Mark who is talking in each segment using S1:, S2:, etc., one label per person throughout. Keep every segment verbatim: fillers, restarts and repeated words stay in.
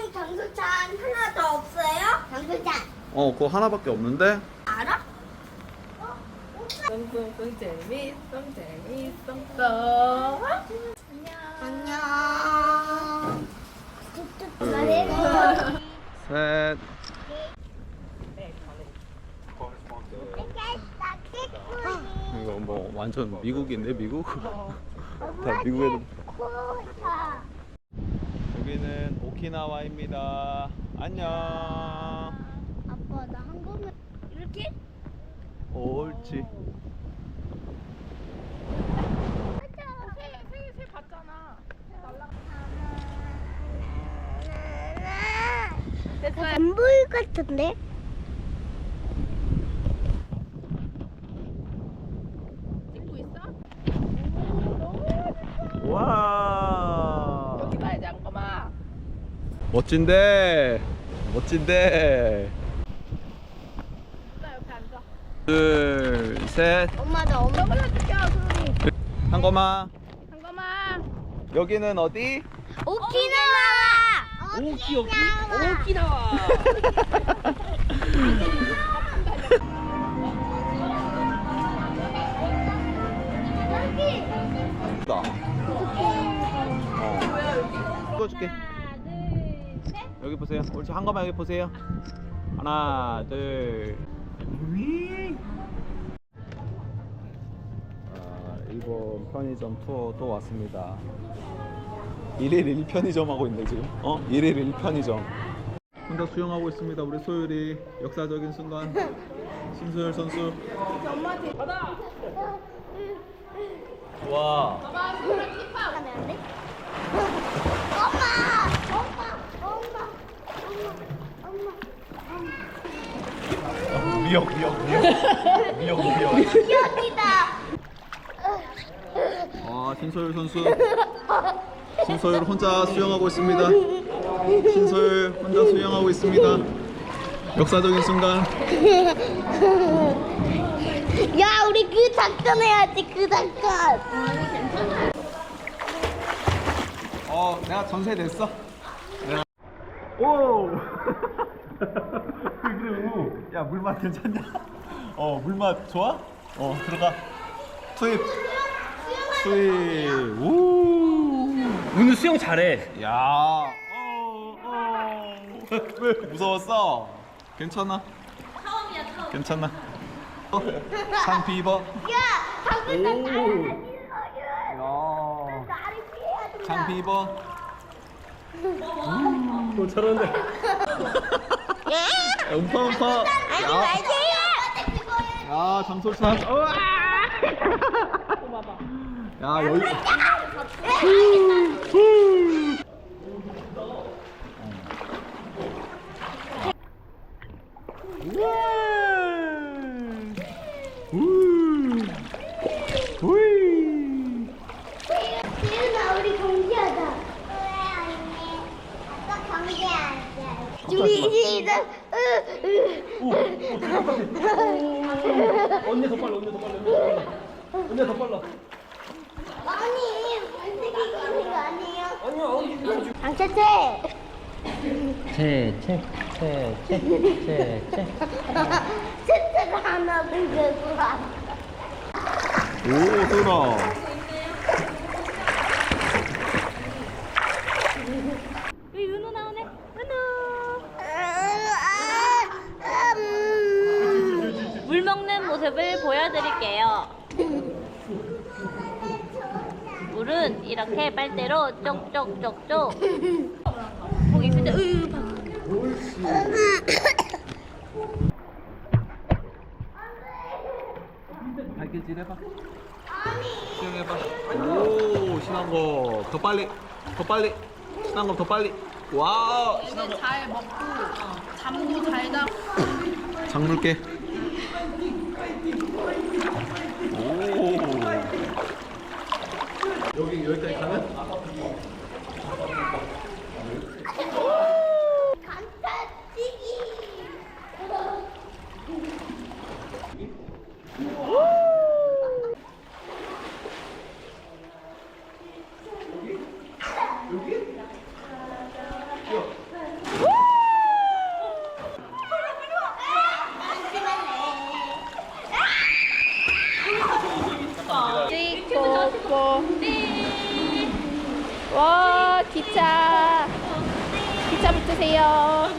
S1: 여기 장소찬 하나 더 없어요? 장소찬.
S2: 어, 그거 하나밖에 없는데?
S1: 알아?
S3: 똥똥똥 재밌어 재밌어.
S1: 안녕.
S2: 셋. 이거 뭐 완전 미국인데 미국? 다 미국 애들. 여기는 오키나와입니다. 안녕.
S1: 아빠 나 한국은 이렇게?
S2: 옳지.
S3: 새새 봤잖아.
S1: 안 보일 것 같은데?
S3: 찍고 있어?
S2: 와.
S3: 여기 봐야지 잠깐만.
S2: 멋진데. 멋진데.
S3: 나 옆에 앉아.
S2: 둘, 셋.
S1: 엄마 나 엄마
S3: 올려줄게요 소리.
S2: 한거마.
S3: 잠깐만.
S2: 여기는 어디?
S1: 오키나와.
S3: 오키 오키 오키나와.
S1: 여기.
S2: 나. 어. 찍어줄게.
S1: 하나, 둘, 셋.
S2: 여기 보세요. 옳지. 한거마 여기 보세요. 하나, 둘. 아, 일본 편의점 투어 또 왔습니다. 일일 일 편의점 하고 있네 지금. 어? 일일 일 편의점. 혼자 수영하고 있습니다. 우리 소율이 역사적인 순간. 신소율 선수.
S3: 받아.
S2: 와.
S3: 봐봐 소리 힙합.
S1: 하면 안 돼? 엄마! 엄마! 엄마! 엄마! 엄마!
S2: 미역 미역 미역. 미역 미역.
S1: 여기다!
S2: 아, 신소율 선수. 신소율 혼자 수영하고 있습니다. 신소율 혼자 수영하고 있습니다. 역사적인 순간.
S1: 야, 우리 그 작전 해야지, 그 작전!
S2: 어, 내가 전세 냈어. 내가. 오. 그래. 야, 물맛 괜찮냐? 어, 물맛 좋아? 어, 들어가. 투입. 투입. 우.
S4: 오늘 수영 잘해.
S2: 야. 어, 어. 왜 무서웠어? 괜찮아?
S3: 처음이야 처음.
S2: 괜찮아? 어? 상피 입어.
S1: 야, 방금 나
S2: 오.
S1: 나를
S2: 야.
S1: 나를 피해야 된다.
S2: 상피 입어.
S4: 또 잘하는데.
S2: 야, 음파 음파.
S1: 아니,
S2: 야.
S1: 말지!
S2: 야, 장솔찬. 우와.
S3: 또 봐봐.
S2: 야, 여기.
S1: 지은아, 우리 경기하자. 아까 경기하자. 준비 시작.
S4: 언니 더 빨라, 언니 더 빨라, 언니 더 빨라. 언니 더 빨라.
S1: 아니, 물색이 가는 거 아니에요?
S4: 아니야, 언니.
S1: 장채채.
S4: 채, 채, 채, 채, 채, 채.
S1: 채채가 하나 들고 와.
S2: 오, 소라.
S3: 여기 은우 나오네. 은우. 물 먹는 모습을 보여드릴게요. 물은 이렇게 빨대로 쪽쪽쪽쪽. 거기 근데 으 봐.
S2: 발길질 해봐. 수영해봐. 오, 신한 거. 더 빨리. 더 빨리. 신한 거 더 빨리. 와, 신한 거.
S3: 잘 먹고 잠도 잘 자고.
S2: 장물게. 오. 여기 여기까지 가면?
S1: 간타찌기.
S5: 기차 붙으세요.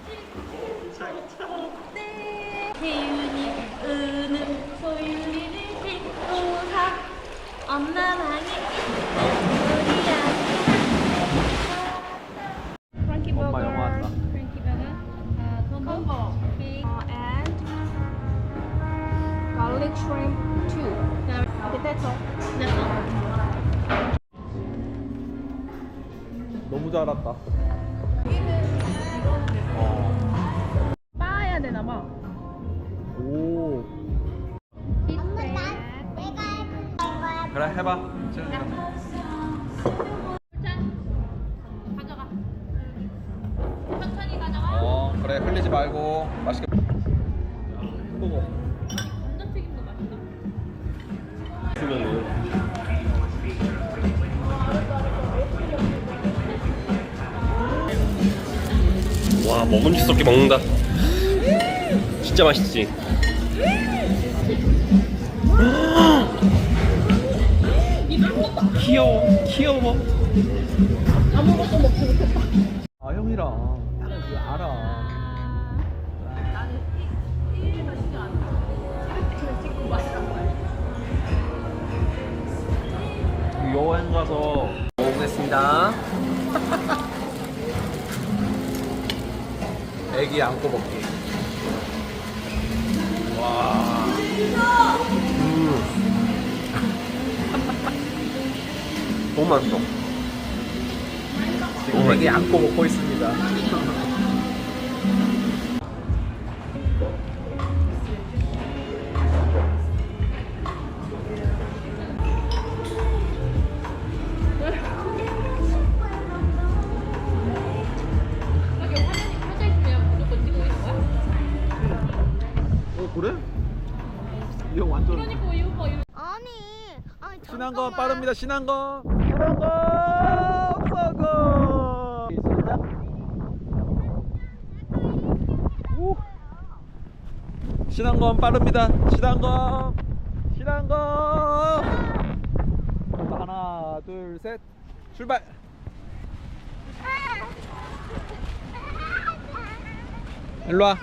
S3: 태윤이 은은 소윤이를 싣고 가 엄마 방에 우리야.
S5: 프랑키
S2: 엄마
S5: 버거.
S2: 영화 왔다.
S5: 프랑키 버거. 아, 콤보. 케이크. and garlic shrimp two. Okay, that's all.
S2: 너무 잘 왔다.
S5: 빠야 되나 봐.
S2: 오.
S1: 엄마 나 내가 해본 거야.
S2: 그래 해봐.
S3: 가져가. 천천히 가져가.
S2: 어 그래 흘리지 말고 맛있게. 햄버거.
S3: 감자튀김도 맛있다.
S6: 와 먹음직스럽게 먹는다. 진짜 맛있지. 귀여워 귀여워.
S5: 아무것도 먹지 못했다.
S2: 아 형이랑 나는 그거 알아. 여행 가서
S6: 먹겠습니다.
S2: 애기 안고 먹기. 와.
S6: 음. 너무 맛있어.
S2: 지금 애기 안고 먹고 있습니다. 어 그래? 이 형 완전.
S1: 아니 아니
S2: 신한건 빠릅니다. 신한건. 신한건 서고. 오. 신한건 빠릅니다. 신한건. 신한건. 하나, 둘, 셋. 출발. 일로 와.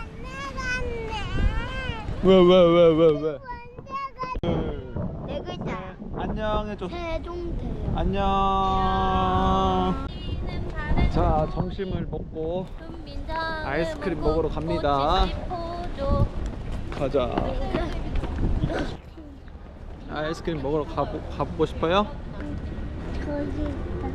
S2: 왜 왜 왜 왜 왜?
S1: 네 글자야.
S2: 안녕 해줘.
S1: 세종대.
S2: 안녕. 자 점심을 먹고 아이스크림 먹으러 갑니다. 가자. 아이스크림 먹으러 가보, 가보고 싶어요?
S1: 거기 있다.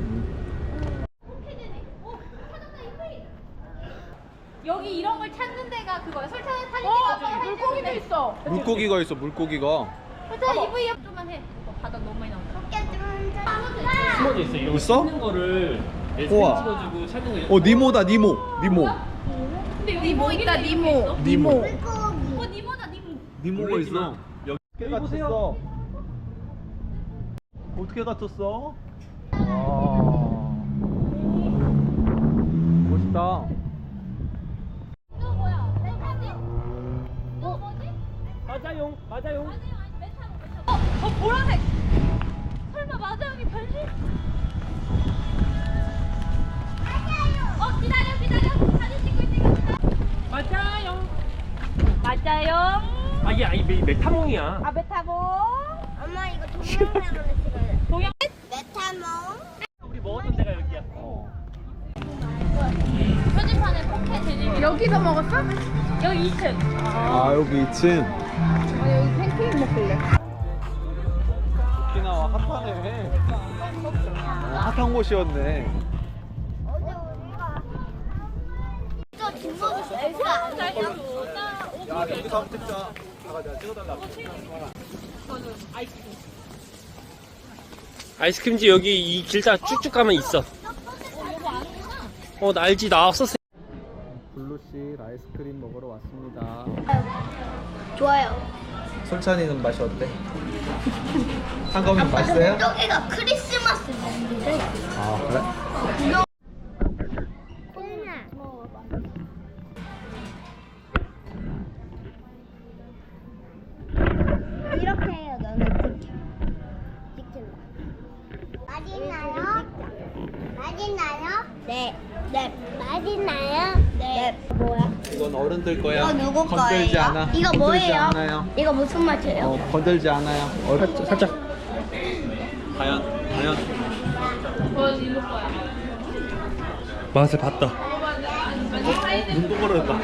S3: 여기 이런 걸 찾는 데가 그거야. 설탕 사진
S5: 어,
S3: 찍어서
S5: 물고기도 있어.
S2: 물고기가 있어. 물고기가.
S3: 설탕 이브이 좀만 해. 이거 바다 너무 많이 나온다.
S6: 숨어져 있어. 이런 거
S2: 있어?
S6: 찍는 거를
S2: 우와.
S6: 사진 찍어주고 찾는 거.
S2: 어 니모다 니모. 니모.
S3: 근데 여기
S5: 니모
S3: 먹이는
S5: 있다,
S3: 게
S5: 니모.
S3: 있어?
S2: 니모.
S3: 어 니모다 니모.
S2: 니모가 있어.
S6: 여기
S2: 어떻게 갇혔어? 어떻게 갇혔어? 와. 멋있다.
S3: 이거 뭐야? 메타지? 이거 뭐지?
S6: 맞아요 맞아요.
S3: 맞아요. 아니 메타모 메타모. 어, 어 보라색. 설마 맞아요이 변신? 어 기다려 기다려. 사진 찍고 있으니까.
S6: 맞아요.
S3: 맞아요.
S6: 아 이게 아니 메- 메타몽이야.
S3: 아 메타모.
S1: 엄마 이거 동영상으로 찍어요.
S3: 동영.
S1: 메타몽.
S6: 우리 먹었던 데가 여기야.
S2: 어.
S3: 표지판에 포켓 재질.
S5: 여기서 먹었어?
S3: 여기 이 층.
S2: 아 여기 이 층.
S5: 아, 여기 팬케이크 먹길래.
S2: 오키나와 핫하네. 핫한 곳이었네.
S1: 어제 우리가 저 뒷모습 엘사 아니야?
S2: 야 여기서 한번 찍자. 잠깐 내가 찍어달라고.
S6: 아이스크림집 여기 이 길다 쭉쭉 가면 있어. 어 나 알지 나 없었어.
S2: 블루씨 아이스크림 먹으러 왔습니다.
S1: 좋아요.
S2: 솔찬이는 맛이 어때? 한가위 맛있어요?
S1: 여기가 크리스마스 랜드래.
S2: 아 그래?
S1: 콩나 먹어봐. 이렇게 해요. 너는 찍혀. 찍힌다. 맛있나요? 맛있나요? 네. 네. 맛있나요? 네. 뭐야?
S2: 이건 어른들 거야.
S1: 이거 누구
S2: 건들지
S1: 거예요?
S2: 않아.
S1: 이거
S2: 건들지
S1: 뭐예요?
S2: 않아요.
S1: 이거 무슨 맛이에요?
S2: 어, 건들지 않아요. 어, 살짝. 과연, 과연. 맛을 봤다. 어, 눈 동그랗다.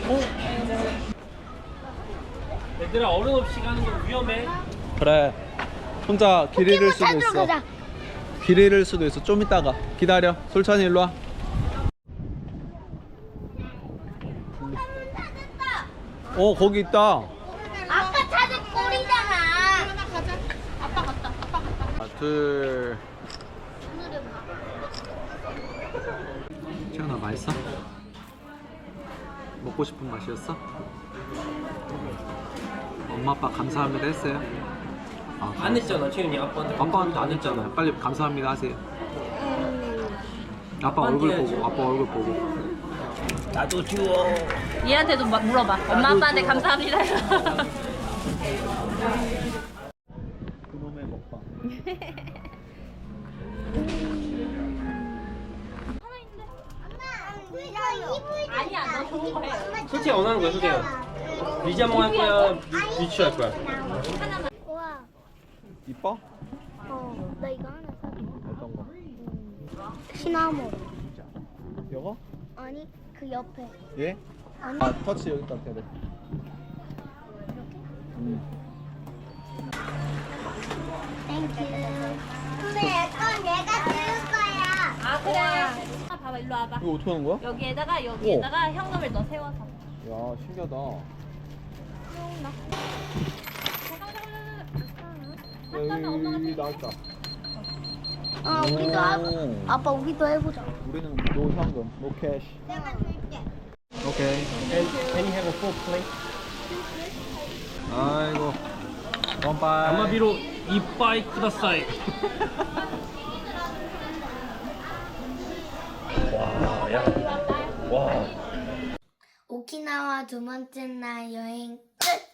S6: 얘들아 어른 없이 가는 거 위험해.
S2: 그래. 혼자 길 잃을 수도
S1: 찾으러
S2: 있어.
S1: 가자.
S2: 길 잃을 수도 있어. 좀 이따가 기다려. 솔찬이 일로 와. 어, 거기 있다.
S1: 아까 찾은 꼴이잖아.
S2: 하나, 둘. 채연아, 맛있어? 먹고 싶은 맛이었어? 엄마 아빠 감사합니다 했어요? 아,
S6: 안 했잖아 채윤이 아빠한테.
S2: 아빠한테 안 했잖아요. 빨리 감사합니다 하세요. 아빠
S6: 아빠한테
S2: 얼굴
S6: 해야지.
S2: 보고, 아빠 얼굴 보고.
S6: 나도 줘.
S3: 얘한테도 막 물어봐. 엄마 아빠한테 감사합니다.
S2: 그놈의 먹방.
S3: 아니야, 너 좋은 거 해.
S6: 솔직히 원하는 거야 솔직히. 리자몽 할 거야? 비- 비추 할 거야?
S1: 우와.
S2: 이뻐?
S1: 어, 나 이거 하나 사.
S2: 어떤 거?
S1: 시나몬.
S2: 이거?
S1: 아니, 그 옆에.
S2: 예?
S1: 아니.
S2: 아, 터치 여기다 해야 돼. 음.
S1: 땡큐. 근데 건 얘가 들을 거야.
S3: 아, 그래. 아, 봐봐, 일로 와봐.
S2: 이거 어떻게 하는 거야?
S3: 여기에다가, 여기에다가 현금을 넣어 세워서.
S2: 야, 신기하다. 여기 나왔다.
S1: 어, 우리도 하고.
S2: 오.
S1: 아빠, 우리도 해보자.
S2: 우리는 노 현금, 노 캐시.
S1: 내가 줄게.
S2: 오케이.
S6: Can, can you have a full plate?
S2: 아이고. 원빠이.
S6: 아마비로 이빠이 쿠다사이. 와, 야. 와.
S1: 오키나와 두 번째 날 여행 끝.